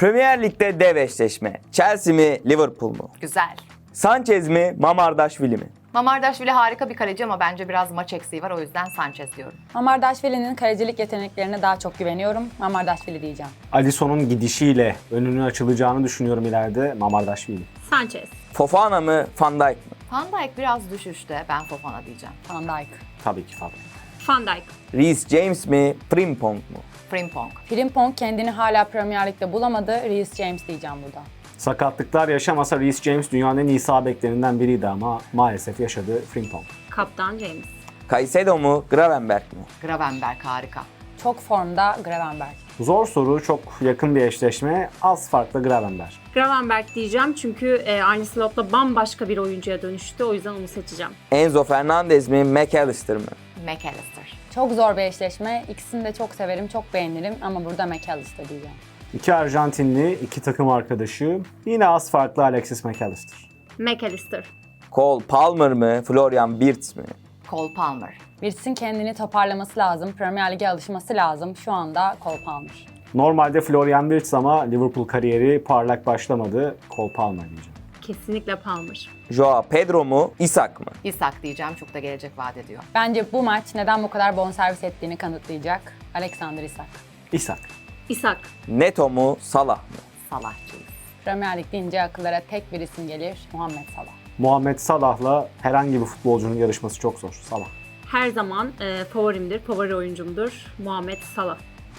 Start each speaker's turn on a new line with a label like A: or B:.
A: Premier Lig'de dev eşleşme. Chelsea mi, Liverpool mu?
B: Güzel.
A: Sanchez mi, Mamardashvili mi?
B: Mamardashvili harika bir kaleci ama bence biraz maç eksiği var. O yüzden Sanchez diyorum.
C: Mamardashvili'nin kalecilik yeteneklerine daha çok güveniyorum. Mamardashvili diyeceğim.
D: Alisson'un gidişiyle önünün açılacağını düşünüyorum ileride. Mamardashvili.
E: Sanchez.
A: Fofana mı, Van Dijk mi?
B: Van Dijk biraz düşüşte. Ben Fofana diyeceğim.
C: Van Dijk.
D: Tabii ki Fabio.
E: Van Dijk.
A: Reece James mi, Frimpong mu?
B: Frimpong.
C: Frimpong kendini hala Premier Lig'de bulamadı. Reece James diyeceğim burada.
D: Sakatlıklar yaşamasa Reece James dünyanın en iyi sağ beklerinden biriydi ama maalesef yaşadı Frimpong.
E: Kaptan James.
A: Caicedo mu, Gravenberg mi?
B: Gravenberg harika.
C: Çok formda Gravenberg.
D: Zor soru, çok yakın bir eşleşme. Az farkla Gravenberg.
E: Gravenberg diyeceğim çünkü Arne Slot'la bambaşka bir oyuncuya dönüştü. O yüzden onu seçeceğim.
A: Enzo Fernandez mi, McAllister mı?
B: McAllister.
C: Çok zor bir eşleşme. İkisini de çok severim, çok beğenirim ama burada McAllister diyeceğim.
D: İki Arjantinli, iki takım arkadaşı. Yine az farklı Alexis McAllister.
E: McAllister.
A: Cole Palmer mı, Florian Wirtz mi?
B: Cole Palmer.
C: Wirtz'in kendini toparlaması lazım. Premier Lig'e alışması lazım. Şu anda Cole Palmer.
D: Normalde Florian Wirtz ama Liverpool kariyeri parlak başlamadı. Cole Palmer diyeceğim.
E: Kesinlikle Palmer.
A: Joao Pedro mu, Isak mı?
B: Isak diyeceğim. Çok da gelecek vaat ediyor.
C: Bence bu maç neden bu kadar bonservis ettiğini kanıtlayacak. Alexander Isak.
D: İshak.
E: Isak.
A: Neto mu, Salah mı?
B: Salahçıyız.
C: Premier Lig deyince akıllara tek bir isim gelir. Muhammed Salah.
D: Muhammed Salah'la herhangi bir futbolcunun yarışması çok zor. Salah.
E: Her zaman favorimdir, favori oyuncumdur. Muhammed Salah.